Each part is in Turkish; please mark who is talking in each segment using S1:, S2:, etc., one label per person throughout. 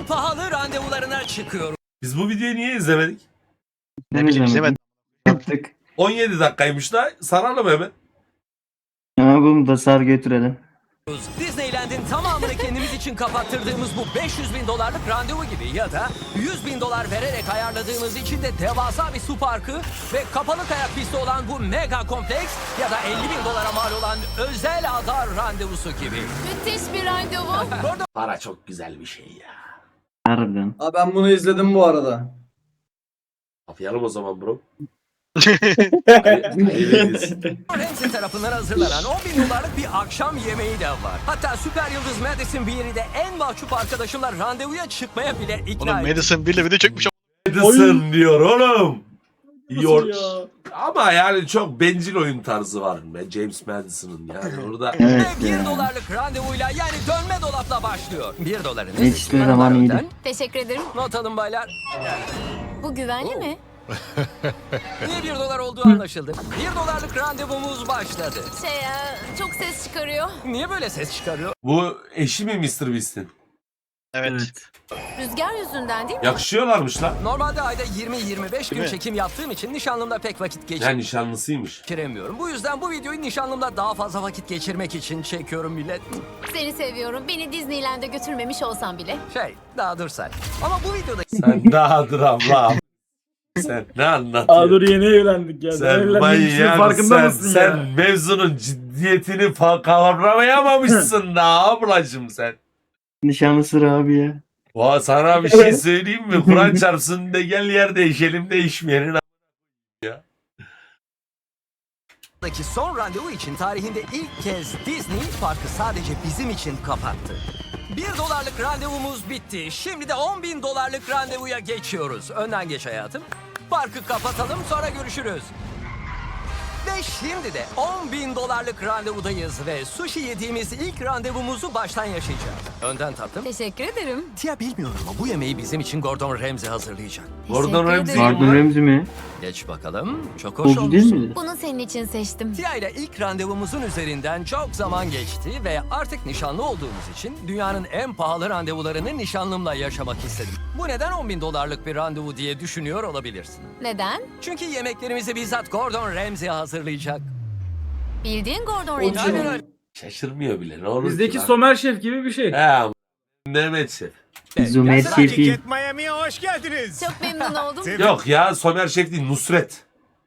S1: pahalı randevularına çıkıyoruz.
S2: Biz bu videoyu niye izlemedik?
S3: Ne bileyim izlemedim.
S4: Yaptık.
S2: 17 dakikaymış da saralım hemen.
S4: Ama bunu da sar götürelim.
S1: Disneyland'in tamamını kendimiz için kapattırdığımız bu 500 bin dolarlık randevu gibi ya da 100 bin dolar vererek ayarladığımız için de devasa bir su parkı ve kapalı kayak pisti olan bu mega kompleks ya da 50 bin dolara mal olan özel ada randevusu gibi.
S5: Müthiş bir randevu.
S2: Para çok güzel bir şey ya.
S4: Harbiden.
S6: Abi ben bunu izledim bu arada.
S2: Yapalım o zaman bro.
S1: Ramsey tarafından hazırlanan 10 bin dolarlık bir akşam yemeği de var. Hatta süper yıldız Madison Beer'i de en mahcup arkadaşımla randevuya çıkmaya bile ikna
S3: Oğlum
S1: etti.
S3: Madison bile video çekmiş.
S2: Edison diyor oğlum.
S6: Nasıl ya?
S2: Ama yani çok bencil oyun tarzı var be James Madison'ın yani orada.
S4: Evet
S1: Ve 1
S4: ya.
S1: dolarlık randevuyla yani dönme dolapla başlıyor. 1 doların
S4: Hiçbir zaman iyiydi.
S5: Teşekkür ederim.
S1: Not alın baylar.
S5: Bu güvenli mi?
S1: Niye 1 dolar olduğu anlaşıldı. 1 dolarlık randevumuz başladı.
S5: Çok ses çıkarıyor.
S1: Niye böyle ses çıkarıyor?
S2: Bu eşi mi Mr. Beast'in?
S3: Evet.
S5: Rüzgar yüzünden değil mi?
S2: Yakışıyorlarmış lan.
S1: Normalde ayda 20-25 gün
S3: mi?
S1: çekim yaptığım için nişanlımla pek vakit
S2: Ya nişanlısıymış.
S1: geçiremiyorum. Bu yüzden bu videoyu nişanlımla daha fazla vakit geçirmek için çekiyorum millet.
S5: Seni seviyorum. Beni Disneyland'e götürmemiş olsam bile.
S1: Daha dur sen. Ama bu videoda
S2: Sen dağdır abla. Sen ne anlatıyorsun?
S6: Aa dur yeni evlendik ya.
S2: Sen
S6: Evlendiğimizin farkında
S2: sen,
S6: mısın
S2: sen
S6: ya?
S2: mevzunun ciddiyetini kavramayamamışsın da ablacım sen.
S4: Nişanlısı abi ya.
S2: Sana bir şey söyleyeyim mi? Kur'an çarpsın de gel yer değişelim değişmeyenin
S1: Daki son randevu için tarihinde ilk kez Disney parkı sadece bizim için kapattı. 1 dolarlık randevumuz bitti. Şimdi de 10 bin dolarlık randevuya geçiyoruz. Önden geç hayatım. Parkı kapatalım sonra görüşürüz. Ve şimdi de 10 bin dolarlık randevudayız ve sushi yediğimiz ilk randevumuzu baştan yaşayacağız. Önden tatlım.
S5: Teşekkür ederim.
S1: Tia bilmiyorum ama bu yemeği bizim için Gordon Ramsay hazırlayacak.
S2: Gordon
S5: Teşekkür
S2: Ramsay
S5: ederim.
S4: Gordon Ramsay mi?
S1: Geç bakalım. Çok hoş
S4: Golcü
S1: olmuş.
S4: değil miydi?
S5: Bunu senin için seçtim.
S1: Tia ile ilk randevumuzun üzerinden çok zaman geçti ve artık nişanlı olduğumuz için dünyanın en pahalı randevularını nişanlımla yaşamak istedim. Bu neden 10 bin dolarlık bir randevu diye düşünüyor olabilirsin.
S5: Neden?
S1: Çünkü yemeklerimizi bizzat Gordon Ramsay hazırlayacak.
S5: Bildiğin Gordon
S6: O
S5: Ramsay.
S1: Aynen öyle.
S2: Şaşırmıyor bile ne olur ki
S6: Bizdeki
S2: lan?
S6: Somer Şef gibi bir şey.
S2: He Mehmet Şef.
S4: Zümer Şefi.
S7: Miami'ye hoş geldiniz.
S5: Çok memnun oldum.
S2: Yok ya Somer Şef değil Nusret.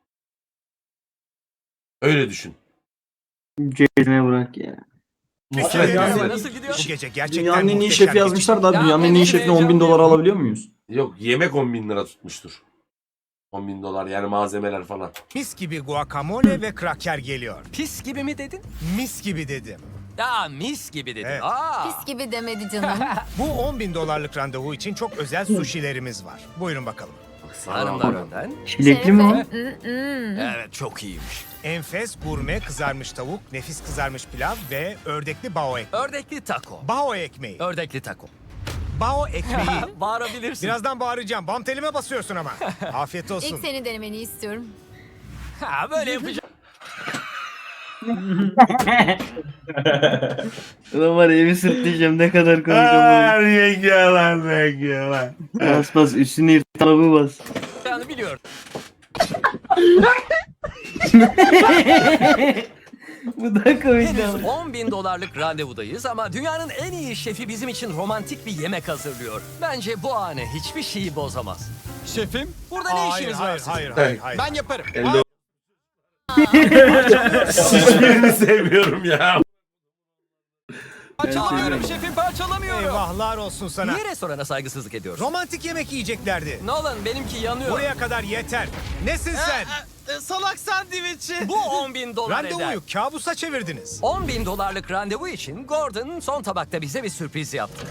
S2: Öyle düşün.
S4: Cezine bırak ya.
S2: Nusret.
S6: Yani-
S1: Nasıl, nasıl gidiyor?
S7: Bu gece gerçekten
S6: Dünyanın en iyi
S7: muhteşem
S6: şefi yazmışlar da
S1: Ya,
S6: dünyanın en iyi
S1: evet,
S6: şefine 10 bin
S1: heyecanlıyım.
S6: dolar alabiliyor muyuz?
S2: Yok yemek 10 bin lira tutmuştur. 10 bin dolar yani malzemeler falan.
S7: Mis gibi guacamole ve kraker geliyor.
S1: Pis gibi mi dedin?
S7: Mis gibi dedim.
S1: Ya mis gibi dedin.
S7: Evet.
S5: Pis gibi demedi canım.
S7: Bu 10 bin dolarlık randevu için çok özel sushi'lerimiz var. Buyurun bakalım.
S1: Hanımlar önden.
S4: Çilekli mi o?
S1: Evet çok iyiymiş.
S7: Enfes gurme kızarmış tavuk, nefis kızarmış pilav ve ördekli bao ekmeği.
S1: Ördekli taco.
S7: Bao ekmeği.
S1: Ördekli taco.
S7: Bao ekmeği.
S1: Bağırabilirsin.
S7: Birazdan bağıracağım. Bam telime basıyorsun ama. Afiyet olsun.
S5: İlk seni denemeni istiyorum.
S1: Ha, böyle yapacağım.
S4: Ulan var ya evi sırtlayacağım ne kadar komik ama.
S2: yenge lan.
S4: Bas bas üstüne yırt arabı bas.
S1: Yani biliyorum.
S4: Bu da komik
S1: Henüz
S4: ama.
S1: 10 bin dolarlık randevudayız ama dünyanın en iyi şefi bizim için romantik bir yemek hazırlıyor. Bence bu anı hiçbir şeyi bozamaz. Şefim, burada ne
S7: Hayır,
S1: işiniz var
S7: hayır,
S1: sizin?
S7: hayır.
S1: Ben yaparım.
S2: Hiçbirini sevmiyorum ya.
S1: Parçalamıyorum şefim, parçalamıyorum.
S7: Eyvahlar olsun sana.
S1: Niye restorana saygısızlık ediyorsun?
S7: Romantik yemek yiyeceklerdi.
S1: Nolan benimki yanıyor.
S7: Buraya kadar yeter. Nesin sen?
S1: Salak sandviçi. Bu 10 bin dolar eder.
S7: Randevuyu kabusa çevirdiniz.
S1: 10 bin dolarlık randevu için Gordon son tabakta bize bir sürpriz yaptı.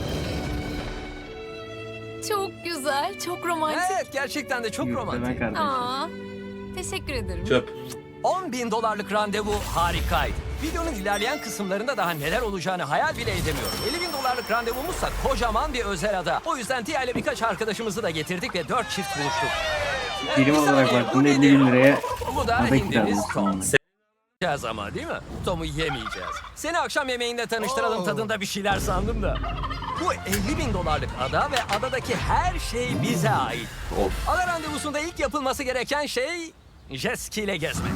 S5: Çok güzel, çok romantik.
S1: Evet gerçekten de çok
S4: Yürütme
S1: romantik.
S4: kardeşim.
S5: Aa, teşekkür ederim.
S2: Çöp.
S1: 10 bin dolarlık randevu harikaydı. Videonun ilerleyen kısımlarında daha neler olacağını hayal bile edemiyorum. 50 bin dolarlık randevumuzsa kocaman bir özel ada. O yüzden Tia ile birkaç arkadaşımızı da getirdik ve 4 çift buluştuk.
S4: Birim
S1: Bir
S4: olarak
S1: saniye,
S4: baktığında
S1: bu
S4: 50
S1: nedir?
S4: bin liraya
S1: Bu da
S4: ada
S1: hindimiz
S4: kiralamış
S1: Tom.
S4: sonra.
S1: Yiyeceğiz ama değil mi? Tom'u yemeyeceğiz. Seni akşam yemeğinde tanıştıralım tadında bir şeyler sandım da. Bu 50.000 dolarlık ada ve adadaki her şey bize ait.
S2: Of.
S1: Ada randevusunda ilk yapılması gereken şey jet ski ile gezmek.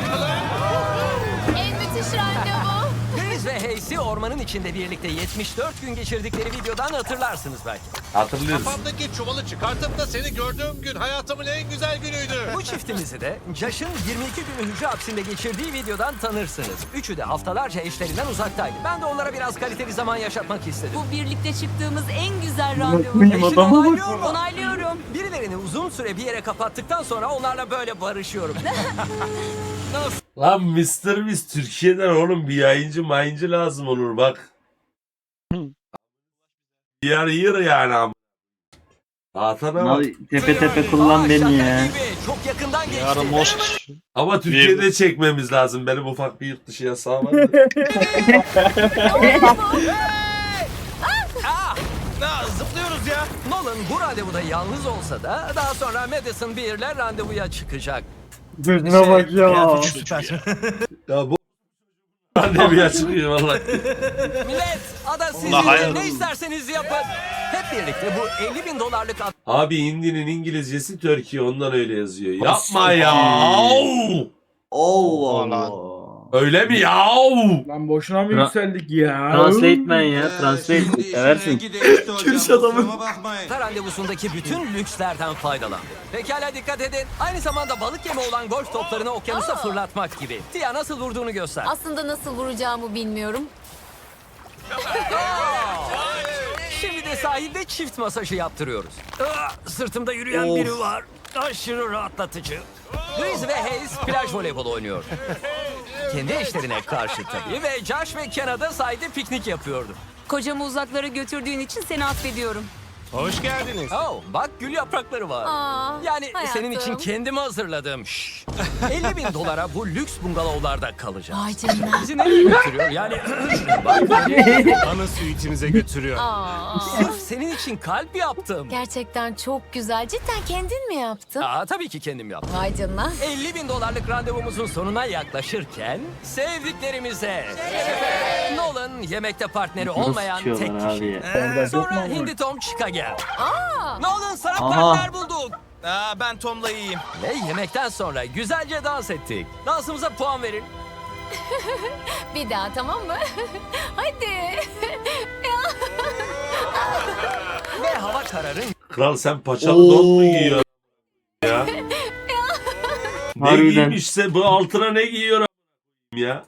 S5: En müthiş randevu.
S1: Deniz ve Hayes'i ormanın içinde birlikte 74 gün geçirdikleri videodan hatırlarsınız belki.
S2: Hatırlıyoruz.
S8: Kafamdaki çuvalı çıkartıp da seni gördüğüm gün hayatımın en güzel günüydü.
S1: Bu çiftimizi de Josh'ın 22 günü hücre hapsinde geçirdiği videodan tanırsınız. Üçü de haftalarca eşlerinden uzaktaydı. Ben de onlara biraz kaliteli zaman yaşatmak istedim.
S5: Bu birlikte çıktığımız en güzel
S4: randevu.
S1: Eşin
S4: Adama bak.
S1: onaylıyor mu?
S5: Onaylıyorum.
S1: Birilerini uzun süre bir yere kapattıktan sonra onlarla böyle barışıyorum.
S2: Lan Mr. Beast Türkiye'den oğlum bir yayıncı lazım olur bak. Yer yani ama. Atana bak.
S4: Abi, tepe tepe kullan beni
S1: şaka
S4: ya.
S1: gibi. Çok yakından geçti.
S3: Yarın Moses.
S2: Ama Türkiye'de çekmemiz lazım. Benim ufak bir yurt dışı yasağı var.
S7: Zıplıyoruz ya.
S1: Nolan bu randevuda yalnız olsa da daha sonra Madison Beer'le randevuya çıkacak.
S4: Gözüne bak ya.
S7: Süper.
S2: Ya bu pandemiye çıkıyor vallahi.
S1: Millet, ada sizin
S3: Allah hayır.
S1: ne isterseniz yapın. Hep birlikte bu 50.000 dolarlık
S2: Abi Hindi'nin İngilizcesi Türkiye ondan öyle yazıyor. Yapma ya.
S4: Allah
S3: Allah.
S4: Allah.
S2: Öyle mi ya?
S6: Lan boşuna mı
S4: Tra-
S6: yükseldik ya?
S4: Translate man ya. Translate. Seversin.
S6: adamın.
S1: randevusundaki bütün lükslerden faydalan. Pekala dikkat edin. Aynı zamanda balık yemi olan golf toplarını okyanusa fırlatmak gibi. Tia nasıl vurduğunu göster.
S5: Aslında nasıl vuracağımı bilmiyorum.
S1: Şimdi de sahilde çift masajı yaptırıyoruz. Sırtımda yürüyen biri var. Aşırı rahatlatıcı. Louise ve Hayes plaj voleybolu oynuyor. Kendi eşlerine karşı tabii ve Josh ve Kena'da sahilde piknik yapıyordu.
S9: Kocamı uzaklara götürdüğün için seni affediyorum.
S7: Hoş geldiniz.
S1: Oh, bak gül yaprakları var.
S5: Aa,
S1: Yani senin için
S5: hayatım.
S1: kendimi hazırladım. 50.000 dolara bu lüks bungalovlarda kalacağız.
S5: Vay canına.
S1: Bizi nereye götürüyor? Yani bak,
S7: Ana suitimize götürüyor.
S5: Aa,
S1: sırf senin için kalp yaptım.
S5: gerçekten çok güzel. Cidden kendin mi yaptın?
S1: Tabii ki kendim yaptım.
S5: Vay canına.
S1: 50.000 dolarlık randevumuzun sonuna yaklaşırken sevdiklerimize Nolan yemekte partneri
S4: Nasıl
S1: olmayan tek
S4: sıçıyorlar abi
S1: kişi.
S4: ya.
S1: Sonra Hindi Tom çıka gel. Nolan sana
S4: Aha.
S1: partner bulduk.
S7: Ben Tom'la iyiyim.
S1: Ve yemekten sonra güzelce dans ettik. Dansımıza puan verin.
S5: Bir daha tamam mı? Hadi.
S1: Ve hava kararınca
S2: Kral sen paçalı don mu giyiyorsun ya? Ne
S4: Harbiden.
S2: giymişse bu altına ne giyiyor ya?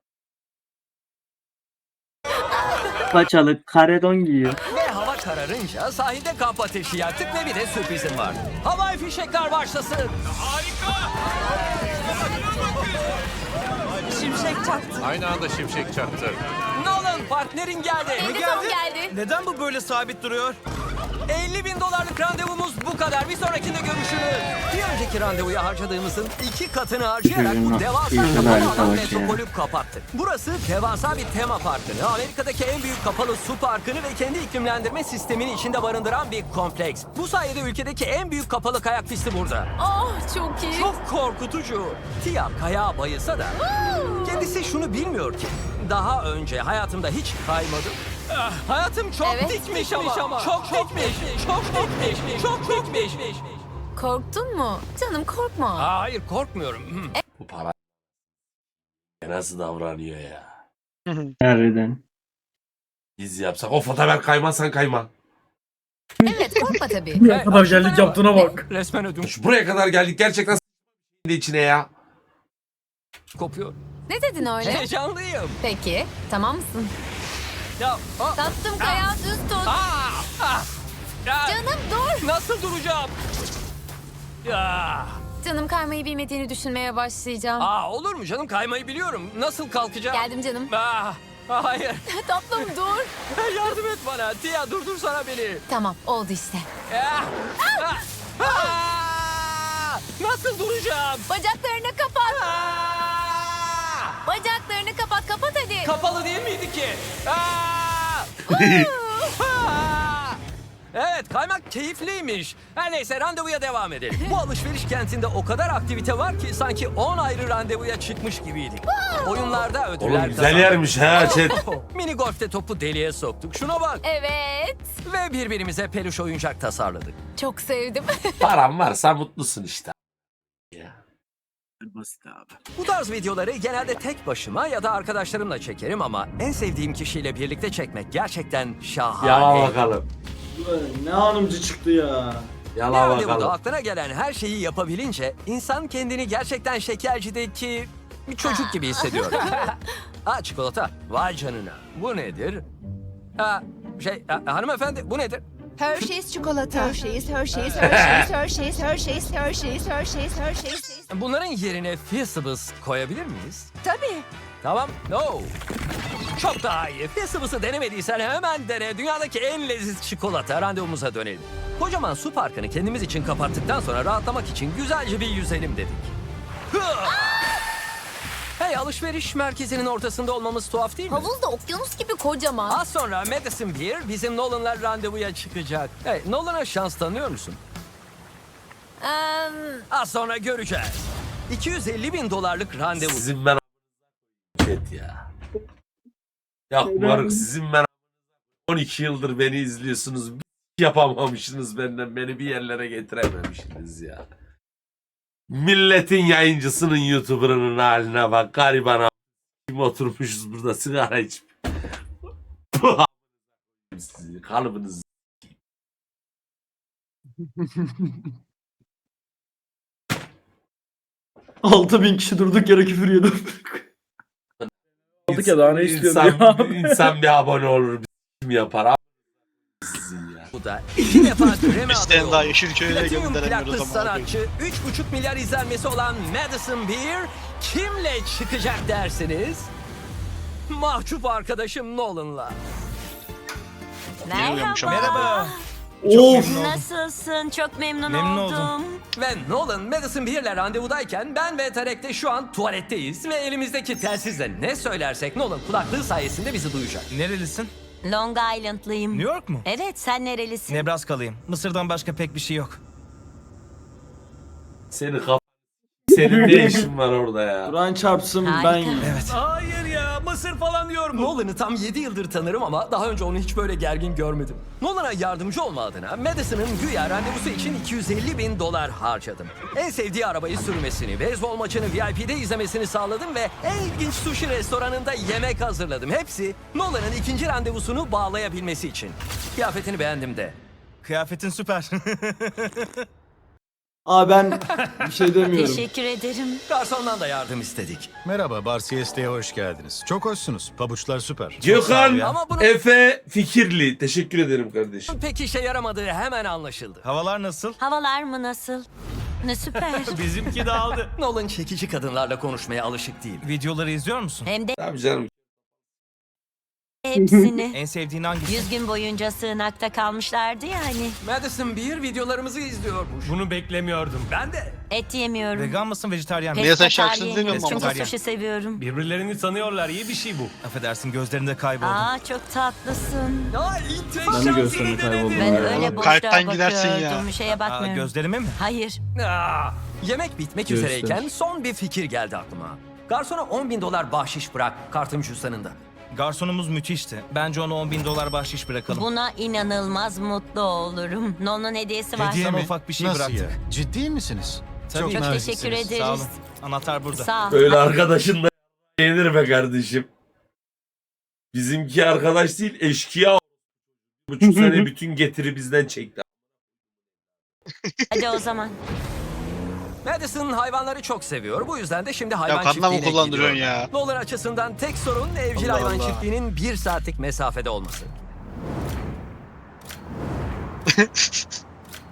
S4: Paçalı karedon giyiyor.
S1: sahilde kamp ateşi yaktık ve bir de sürprizim var. Havai fişekler başlasın.
S9: Şimşek çaktı.
S8: Aynı anda şimşek çaktı.
S1: Nolan partnerin geldi.
S5: Hindi Tom geldi.
S7: Neden bu böyle sabit duruyor?
S1: 50.000 dolarlık randevumuz bu kadar. Bir sonrakinde görüşürüz. Bir önceki randevuya harcadığımızın 2 katını harcayarak bu devasa kapalı alan metropolü kapattık. Burası devasa bir tema parkını, Amerika'daki en büyük kapalı su parkını ve kendi iklimlendirme sistemini içinde barındıran bir kompleks. Bu sayede ülkedeki en büyük kapalı kayak pisti burada.
S5: Oh çok iyi.
S1: Çok korkutucu. Tia kayağa bayılsa da kendisi şunu bilmiyor ki. Daha önce hayatımda hiç kaymadım. Hayatım çok
S5: Evet.
S1: dikmiş ama. Çok dikmiş. Çok dikmiş. Çok dikmiş.
S5: Korktun mu? Canım korkma.
S1: Hayır korkmuyorum.
S2: Bu para nasıl davranıyor ya?
S4: Harbiden.
S2: Biz yapsak o fotoğraf kaymazsan kayma.
S5: Evet korkma tabii.
S6: Ne kadar geldik yaptığına bak.
S1: Resmen ödüm
S2: Şu buraya kadar geldik gerçekten içine ya.
S1: kopuyor.
S5: Ne dedin öyle?
S1: Heyecanlıyım.
S5: Peki tamam mısın?
S1: Ya,
S5: Tatlım kayağı düz tut.
S1: ya,
S5: Canım dur.
S1: nasıl duracağım? Ya.
S5: Canım kaymayı bilmediğini düşünmeye başlayacağım.
S1: Olur mu canım kaymayı biliyorum. Nasıl kalkacağım?
S5: Geldim canım.
S1: Hayır.
S5: Tatlım dur.
S1: Yardım et bana. Tia durdursana beni.
S5: Tamam oldu işte.
S1: Nasıl duracağım?
S5: Bacaklarını kapat. Bacaklarını kapat hadi.
S1: Kapalı değil miydi ki? Evet, kaymak keyifliymiş. Her neyse, randevuya devam edelim. Bu alışveriş kentinde o kadar aktivite var ki sanki 10 ayrı randevuya çıkmış gibiydik. Oyunlarda ödüller
S2: Oğlum güzel
S1: kazandık.
S2: yermiş ha chat.
S1: Mini golfte topu deliğe soktuk. Şuna bak.
S5: Evet.
S1: Ve birbirimize peluş oyuncak tasarladık.
S5: Çok sevdim.
S2: Param varsa mutlusun işte.
S4: Basit abi.
S1: Bu tarz videoları genelde tek başıma ya da arkadaşlarımla çekerim ama en sevdiğim kişiyle birlikte çekmek gerçekten şahane.
S2: Yala bakalım.
S4: Ne hanımcı çıktı ya.
S2: Yala
S1: Yani bu da
S2: bakalım.
S1: aklına gelen her şeyi yapabilince insan kendini gerçekten şekercideki bir çocuk gibi hissediyor. Çikolata. Vay canına. Bu nedir? Hanımefendi bu nedir?
S10: Hershey's çikolata. Hershey's, Hershey's, Hershey's, Hershey's, Hershey's, Hershey's, Hershey's, Hershey's.
S1: Bunların yerine Feastables koyabilir miyiz?
S10: Tabii.
S1: Tamam. No. Çok daha iyi. Feastables'ı denemediysen hemen dene. Dünyadaki en leziz çikolata. Randevumuza dönelim. Kocaman su parkını kendimiz için kapattıktan sonra rahatlamak için güzelce bir yüzelim dedik. Hey, alışveriş merkezinin ortasında olmamız tuhaf değil mi?
S5: Havuz da okyanus gibi kocaman.
S1: Az sonra Madison Beer bizim Nolan'la randevuya çıkacak. Hey, Nolan'a şans tanıyor musun? Az sonra göreceğiz. $250.000 randevu.
S2: Sizin ben chat ya. Ya moruk sizin ben 12 yıldır beni izliyorsunuz. Bir yapamamışsınız benden. Beni bir yerlere getirememişsiniz ya. Milletin yayıncısının YouTuber'ının haline bak. Gariban kim oturmuşuz burada sigara içip. Sizi kalıbınızı.
S4: 6000 kişi durduk yere küfür yedim.
S6: Aldık ya, daha ne istiyorsun
S2: İnsan,
S6: ya?
S2: insan bir abone olur. Kim yapar abi? Sizin ya.
S1: Bu da 2 defa Grammy
S3: Bir
S1: adayı
S3: tane daha
S1: oldu.
S3: Yeşilköy'e
S1: Platinum
S3: gönderemiyoruz
S1: plaklı
S3: ama.
S1: sanatçı, 3,5 milyar izlenmesi olan Madison Beer kimle çıkacak dersiniz? Mahcup arkadaşım Nolan'la.
S3: Bilmiyormuş ama.
S10: Merhaba.
S4: Of.
S9: Nasılsın? Çok memnun,
S10: Memnun
S9: oldum.
S10: oldum.
S1: Ve Nolan Madison Beer'le randevudayken ben ve Tarek de şu an tuvaletteyiz ve elimizdeki telsizle ne söylersek Nolan kulaklığı sayesinde bizi duyacak.
S10: Nerelisin?
S9: Long Island'lıyım.
S10: New York mu?
S9: Evet, sen nerelisin?
S10: Nebraska'lıyım. Mısır'dan başka pek bir şey yok.
S2: Senin ne işin var orada ya?
S4: Kur'an çarpsın
S9: Harika.
S4: ben.
S10: Evet.
S1: Hayır ya, Mısır falan diyor mu? Nolan'ı tam 7 yıldır tanırım ama daha önce onu hiç böyle gergin görmedim. Nolan'a yardımcı olma adına Madison'ın güya randevusu için $250.000 harcadım. En sevdiği arabayı sürmesini, beyzbol maçını VIP'de izlemesini sağladım ve en ilginç sushi restoranında yemek hazırladım. Hepsi Nolan'ın ikinci randevusunu bağlayabilmesi için. Kıyafetini beğendim de.
S10: Kıyafetin süper.
S4: Ben bir şey demiyorum.
S9: Teşekkür ederim.
S1: Garsondan da yardım istedik.
S11: Merhaba, Bar Siesta'ya hoş geldiniz. Çok hoşsunuz. Pabuçlar süper. Çok sağ ol
S2: Gökhan
S11: ya.
S1: Ama bunun
S2: Efe Fikirli. Teşekkür ederim kardeşim.
S1: pek işe yaramadığı hemen anlaşıldı.
S10: Havalar nasıl?
S9: Havalar mı nasıl? Ne süper.
S10: Bizimki dağıldı.
S1: Nolan çekici kadınlarla konuşmaya alışık değil.
S10: Videoları izliyor musun?
S9: Hem de
S2: Tabii canım.
S9: hepsini.
S10: En sevdiğin hangisi?
S9: 100 gün boyunca sığınakta kalmışlardı yani.
S1: Madison Beer videolarımızı izliyormuş.
S10: Bunu beklemiyordum.
S1: Ben de.
S9: Et yemiyorum.
S10: Vegan mısın, vejetaryen mi?
S3: Niye sen şarkısını
S9: Pesketaryenim.
S3: dinlemiyorsun
S9: Çünkü
S10: ama?
S9: sushi seviyorum.
S10: Birbirlerini tanıyorlar, iyi bir şey bu. Affedersin, gözlerinde kayboldum.
S9: Çok tatlısın.
S4: Ben de gösterime kayboldum.
S9: Ben
S4: ya.
S9: öyle boşluğa
S3: Kalpten gidersin ya.
S9: bakıyordum. Şeye bakmıyorum.
S10: Gözlerime mi?
S9: Hayır.
S1: Yemek bitmek
S4: Göster.
S1: üzereyken son bir fikir geldi aklıma. Garsona $10.000 bahşiş bırak kartım cüzdanında.
S10: Garsonumuz müthişti. Bence ona $10.000 bahşiş bırakalım.
S9: Buna inanılmaz mutlu olurum. Nolan'ın hediyesi var.
S10: Sana ufak bir şey
S11: Nasıl
S10: bıraktık.
S11: ya? Ciddi misiniz?
S10: Tabii.
S9: Çok
S11: naziksiniz.
S9: teşekkür ederiz.
S10: Sağ olun. Anahtar burada.
S9: Sağ ol.
S2: Öyle arkadaşın da yenir be kardeşim. Bizimki arkadaş değil eşkıya. 3,5 sene bütün getiri bizden çekti.
S9: Hadi o zaman.
S1: Madison hayvanları çok seviyor. Bu yüzden de şimdi
S3: Ya
S1: hayvan
S3: kanla mı
S1: çiftliğine
S3: kullandırıyorsun
S1: gidiyor.
S3: ya?
S1: Nolan açısından tek sorun evcil
S3: Allah
S1: hayvan
S3: Allah.
S1: çiftliğinin 1 saatlik mesafede olması.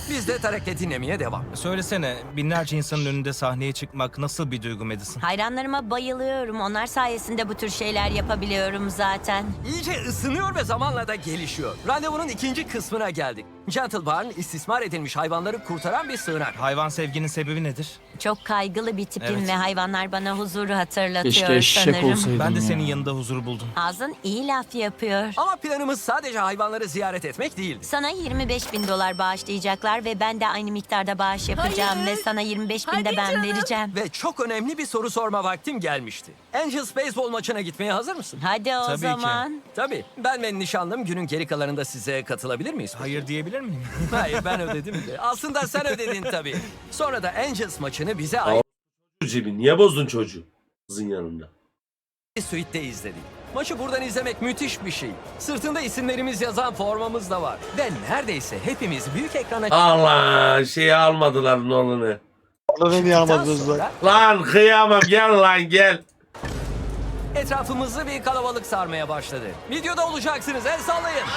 S1: Biz de Tarek'le dinlemeye devam.
S7: Söylesene, binlerce insanın önünde sahneye çıkmak nasıl bir duygu Madison?
S9: Hayranlarıma bayılıyorum. Onlar sayesinde bu tür şeyler yapabiliyorum zaten.
S1: İyice ısınıyor ve zamanla da gelişiyor. Randevunun ikinci kısmına geldik. Gentle Barn, istismar edilmiş hayvanları kurtaran bir sığınak.
S7: Hayvan sevginin sebebi nedir?
S9: Çok kaygılı bir tipim
S7: Evet.
S9: ve hayvanlar bana huzuru hatırlatıyor
S4: Keşke eşek
S9: sanırım.
S4: olsaydım
S7: Ben de
S4: ya.
S7: senin yanında huzur buldum.
S9: Ağzın iyi laf yapıyor.
S1: Ama planımız sadece hayvanları ziyaret etmek değildi.
S9: Sana 25 bin dolar bağışlayacaklar ve ben de aynı miktarda bağış yapacağım
S5: Hayır.
S9: ve sana 25 bin de
S5: Hadi
S9: ben
S5: canım.
S9: vereceğim.
S1: Ve çok önemli bir soru sorma vaktim gelmişti. Angels beyzbol maçına gitmeye hazır mısın?
S9: Hadi o
S7: Tabii ki.
S9: zaman.
S1: Tabii. Ben ve nişanlım günün geri kalanında size katılabilir miyiz?
S7: Hayır diyebilir miyim?
S1: Hayır, ben ödedim de. Aslında sen ödedin tabii. Sonra da Angels maçını bize ait
S2: Cebi niye bozdun çocuğu? Kızın yanında.
S1: bir suite'de izledik. Maçı buradan izlemek müthiş bir şey. Sırtında isimlerimiz yazan formamız da var. Ve neredeyse hepimiz büyük ekrana
S2: Allah şeyi almadılar Nolan'ı.
S3: Onu niye almadınız lan?
S1: sonra
S2: Lan kıyamam gel lan gel.
S1: etrafımızı bir kalabalık sarmaya başladı. Videoda olacaksınız, el sallayın.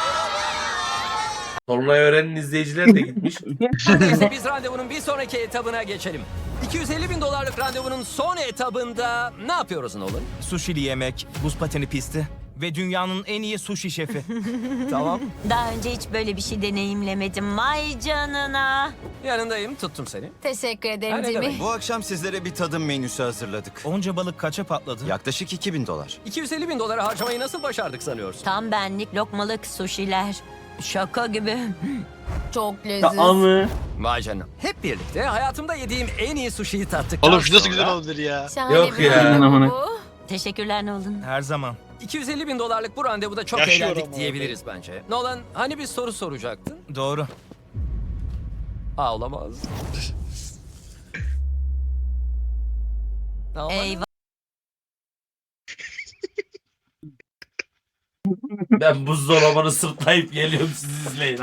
S2: Tolunay Öğren'in izleyiciler de gitmiş.
S1: Neyse biz randevunun bir sonraki etabına geçelim. 250 bin dolarlık randevunun son etabında ne yapıyoruz Nolan?
S7: Sushi'li yemek, buz pateni pisti ve dünyanın en iyi sushi şefi.
S1: Tamam.
S9: Daha önce hiç böyle bir şey deneyimlemedim. Vay canına.
S1: Yanındayım, tuttum seni.
S5: Teşekkür
S1: Ha,
S5: ederim
S1: ne
S5: Jimmy.
S1: demek?
S11: Bu akşam sizlere bir tadım menüsü hazırladık.
S7: Onca balık kaça patladı?
S11: Yaklaşık 2000 dolar.
S1: 250 bin dolara harcamayı nasıl başardık sanıyorsun?
S9: Tam benlik lokmalık suşiler. Şaka gibi.
S5: Çok
S4: Ya
S5: leziz.
S4: amı.
S1: Vay canına. Hep birlikte hayatımda yediğim en iyi sushi'yi tattık.
S3: Oğlum şu nasıl güzel olabilir ya?
S5: Şahane
S2: Yok
S5: bir
S2: ya.
S5: randevu bu.
S9: Teşekkürler Nolan.
S7: Her zaman.
S1: 250 bin dolarlık bu randevuda çok
S3: Yaşıyorum
S1: eğlendik
S3: abi.
S1: diyebiliriz bence. Nolan, hani bir soru soracaktın?
S7: Doğru.
S1: Aa, olamaz. Aman.
S9: Eyvah.
S2: Ben buzdolabını sırtlayıp geliyorum siz izleyin.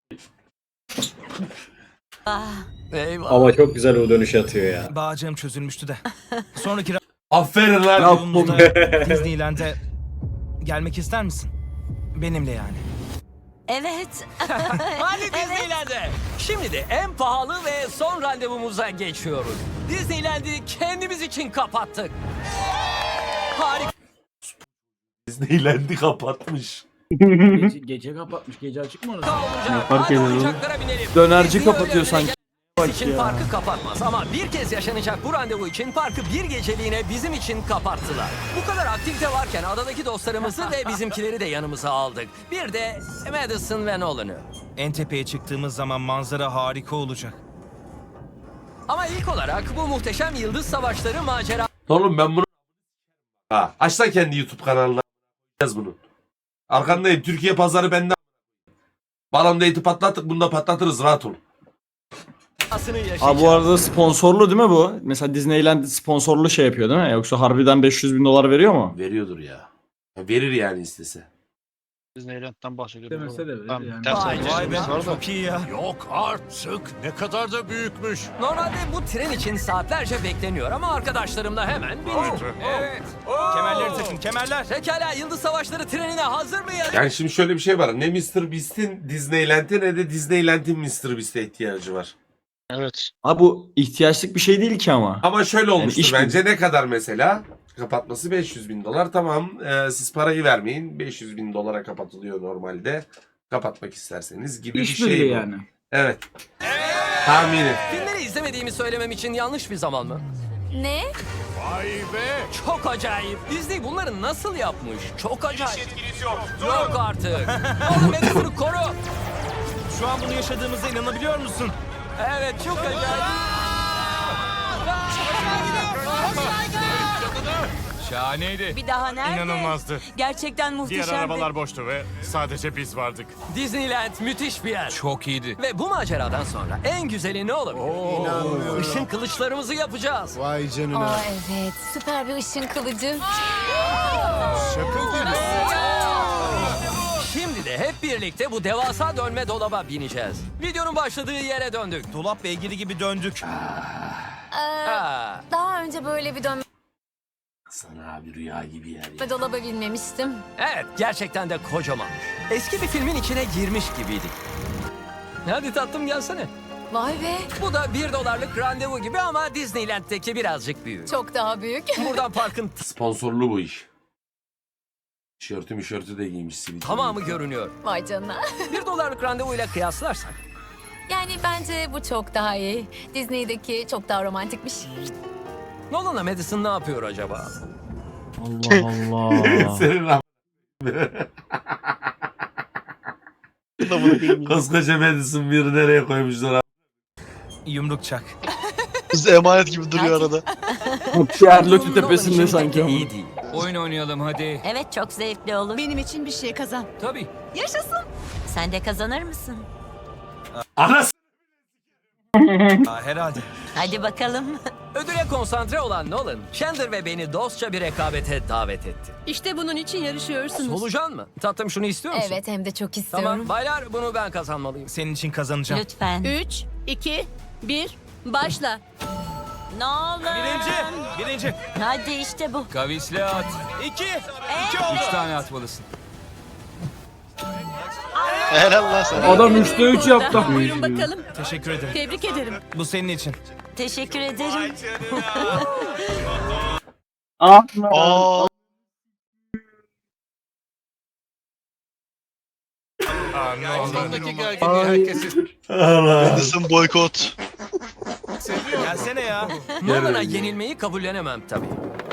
S1: Eyvah.
S6: Ama çok güzel o dönüş atıyor ya.
S7: Bağcığım çözülmüştü de. Sonraki
S2: Aferin lan.
S7: randevumuzda Disneyland'e gelmek ister misin? Benimle yani.
S9: Evet.
S1: Hadi Disneyland'e. Şimdi de en pahalı ve son randevumuza geçiyoruz. Disneyland'i kendimiz için kapattık. Harika
S2: Disneyland'i kapatmış.
S6: Gece kapatmış. Gece açık mı orası?
S1: olacak.
S4: fark
S1: Hadi
S4: eder oğlum?
S1: oyuncaklara binelim.
S4: Dönerci
S1: Disney
S4: kapatıyor
S1: önlerine
S4: sanki. Bak
S1: için
S4: ya.
S1: parkı kapatmaz ama bir kez yaşanacak bu randevu için parkı bir geceliğine bizim için kapattılar. Bu kadar aktivite varken adadaki dostlarımızı ve bizimkileri de yanımıza aldık. Bir de Madison ve Nolan'ı.
S7: En tepeye çıktığımız zaman manzara harika olacak.
S1: Ama ilk olarak bu muhteşem yıldız savaşları macera
S2: Oğlum ben bunu... Ha, aç lan kendi YouTube kanalına. Yaz bunu. Arkandayım. Türkiye pazarı bende. Balon date'i patlattık. Bunu da patlatırız. Rahat ol.
S1: Aslını yaşayacağız.
S4: Abi bu arada sponsorlu değil mi bu? Mesela Disneyland sponsorlu şey yapıyor değil mi? Yoksa harbiden 500 bin dolar veriyor mu?
S2: Veriyordur ya. Verir yani istese.
S3: Disneyland'dan bahsediyorum.
S6: Demese de verir
S3: Tamam,
S6: yani.
S3: ters
S1: Vay
S3: anlaşılma
S7: Vay be,
S3: var da.
S7: çok iyi ya.
S8: Yok artık. Ne kadar da büyükmüş.
S1: Normalde bu tren için saatlerce bekleniyor ama arkadaşlarımla hemen bindik. Evet.
S7: Kemerleri takın, kemerler.
S1: Pekala, yıldız savaşları trenine hazır mıyız?
S2: Yani şimdi şöyle bir şey var. Ne Mr. Beast'in Disneyland'e ne de Disneyland'in Mr. Beast'e ihtiyacı var.
S3: Evet.
S4: Abi bu ihtiyaçlık bir şey değil ki ama.
S2: Ama şöyle olmuştur
S4: iş
S2: bence. Ne kadar mesela? Kapatması 500 bin dolar. Tamam siz parayı vermeyin. 500 bin dolara kapatılıyor normalde. Kapatmak isterseniz gibi bir
S6: İş
S2: şey
S6: birliği
S2: bu.
S6: yani.
S2: Evet. Tahmini.
S1: Filmleri izlemediğimi söylemem için yanlış bir zaman mı?
S5: Ne?
S8: Vay be.
S1: Çok acayip. Disney bunları nasıl yapmış? Çok acayip. Yok artık. Oğlum Madison'ı koru.
S7: Şu an bunu yaşadığımıza inanabiliyor musun?
S1: Evet, çok acayip.
S8: Şahaneydi.
S9: Bir daha nerede?
S8: İnanılmazdı.
S9: Gerçekten muhteşemdi.
S8: boştu ve sadece biz vardık.
S1: Disneyland müthiş bir yer.
S8: Çok iyiydi.
S1: Ve bu maceradan sonra en güzeli ne olabilir?
S8: İnanmıyorum.
S1: Işın kılıçlarımızı yapacağız.
S8: Vay canına.
S5: Aa evet. Süper bir ışın kılıcı.
S8: Şaka gibi.
S1: Şimdi de hep birlikte bu devasa dönme dolaba bineceğiz. Videonun başladığı yere döndük.
S7: Dolap beygiri gibi döndük.
S1: Aa,
S5: Daha önce böyle bir dönme
S2: Sana abi rüya gibi yer ya.
S5: dolaba binmemiştim.
S1: evet, gerçekten de kocamanmış. Eski bir filmin içine girmiş gibiydik. Hadi tatlım gelsene.
S5: Vay be.
S1: Bu da $1 randevu gibi ama Disneyland'deki birazcık büyük.
S5: Çok daha büyük.
S1: Buradan parkın
S2: Sponsorlu bu iş. Tişörtü de giymiş sivil.
S1: tamamı görünüyor.
S5: Vay canına.
S1: $1 randevuyla kıyaslarsak.
S5: Yani bence bu çok daha iyi. Disney'deki çok daha romantikmiş.
S1: Nolan'la Madison ne yapıyor acaba?
S4: Allah Allah.
S2: Senin lan. Koskoca Madison bir nereye koymuşlar abi.
S1: Yumruk çak.
S3: Biz emanet gibi duruyor arada.
S4: Sherlock'un
S1: Nolan
S4: tepesinde
S1: için
S4: sanki
S1: pek
S4: ama.
S1: iyi değil. Oyun oynayalım hadi.
S9: Evet, çok zevkli olur.
S10: Benim için bir şey kazan.
S1: Tabii.
S10: Yaşasın.
S9: Sen de kazanır mısın?
S2: Anası.
S1: Herhalde.
S9: Hadi bakalım.
S1: Ödüle konsantre olan Nolan, Chandler ve beni dostça bir rekabete davet etti.
S10: İşte bunun için yarışıyorsunuz.
S1: Solucan mı? Tatlım şunu istiyor musun?
S5: Evet hem de çok istiyorum.
S1: Tamam baylar bunu ben kazanmalıyım.
S7: Senin için kazanacağım.
S9: Lütfen.
S10: 3, 2, 1, başla.
S9: Ne olur.
S7: Birinci.
S9: Hadi işte bu.
S1: Kavisle at.
S7: 2.
S1: 3 tane atmalısın.
S3: Helal lan sana.
S4: Adam 3'te 3 yaptı.
S10: Buyurun bakalım.
S7: Teşekkür ederim.
S10: Tebrik ederim.
S7: Bu senin için.
S9: Teşekkür ederim.
S3: Aa,
S8: Sondaki gerginliği herkesin.
S2: Allah.
S3: Madison boykot.
S7: Gelsene ya.
S1: Nolan'a
S2: Gel.
S1: yenilmeyi kabullenemem tabii.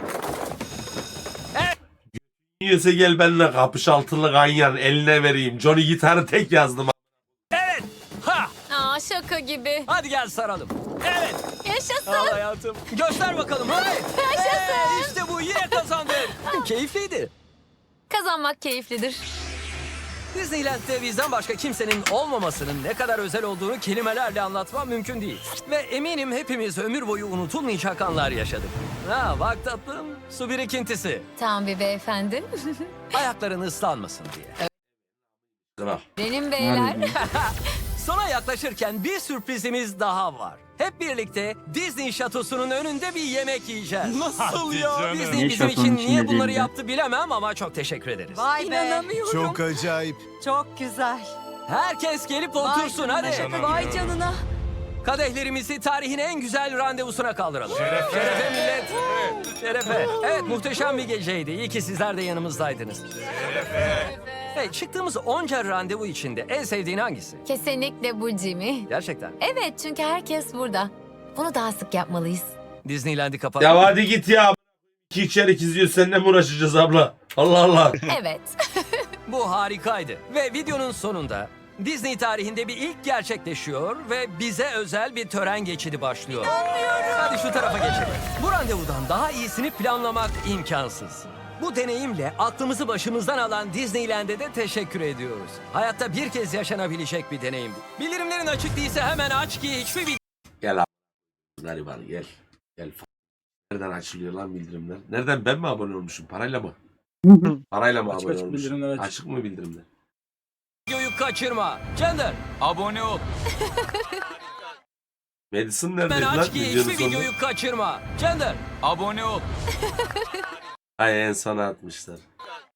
S2: Yiyorsa gel benimle kapış altılı ganyan eline vereyim. Johnny gitarı tek yazdım.
S1: Ha!
S5: Aa şaka gibi.
S1: Hadi gel saralım. Evet.
S5: Yaşasın.
S1: Al hayatım. Göster bakalım hadi.
S5: Yaşasın.
S1: İşte bu yine kazandın. Keyifliydi.
S5: Kazanmak keyiflidir.
S1: Disneyland'de bizden başka kimsenin olmamasının ne kadar özel olduğunu kelimelerle anlatmam mümkün değil. Ve eminim hepimiz ömür boyu unutulmayacak anlar yaşadık. Ha bak tatlım, su birikintisi.
S5: Tam bir beyefendi.
S1: Ayakların ıslanmasın diye.
S2: Kral.
S5: Benim beyler.
S1: Sona yaklaşırken bir sürprizimiz daha var. Hep birlikte Disney şatosunun önünde bir yemek yiyeceğiz. Nasıl ya? Disney
S4: Niye
S1: bizim
S4: şatonun
S1: için
S4: içinde
S1: niye bunları
S4: değil de?
S1: yaptı bilemem ama çok teşekkür ederiz.
S10: Vay
S9: İnanamıyorum.
S11: Çok acayip.
S10: Çok güzel.
S1: Herkes gelip otursun hadi.
S10: Vay canına.
S1: Kadehlerimizi tarihin en güzel randevusuna kaldıralım. Şerefe millet. Şerefe. Evet muhteşem bir geceydi. İyi ki sizler de yanımızdaydınız. Hey, çıktığımız onca randevu içinde en sevdiğin hangisi?
S5: Kesinlikle bu Jimmy.
S1: Gerçekten.
S5: Evet çünkü herkes burada. Bunu daha sık yapmalıyız.
S1: Disneyland'i kapat.
S2: Ya hadi git ya. İki içerik izliyoruz seninle mi uğraşacağız abla? Allah Allah.
S5: Evet.
S1: Bu harikaydı. Ve videonun sonunda Disney tarihinde bir ilk gerçekleşiyor ve bize özel bir tören geçidi başlıyor. Hadi şu tarafa geçelim. Bu randevudan daha iyisini planlamak imkansız. Bu deneyimle aklımızı başımızdan alan Disneyland'e de teşekkür ediyoruz. Hayatta bir kez yaşanabilecek bir deneyim bu. Bildirimlerin açık değilse hemen aç ki hiçbir video...
S2: Gel abi. Gariban gel. Gel. Nereden açılıyor lan bildirimler? Nereden ben mi abone olmuşum? Parayla mı? Parayla mı
S4: Açık
S2: abone
S4: açık
S2: olmuşum?
S4: bildirimler açık.
S2: Açık mı bildirimler?
S1: Videoyu kaçırma. Chandler
S6: Abone ol.
S2: Madison
S1: hemen
S2: neredeydi lan
S1: aç ki
S2: videonun
S1: hiçbir
S2: sonunda?
S1: videoyu kaçırma. Chandler
S6: Abone ol.
S2: Ay en sona atmışlar.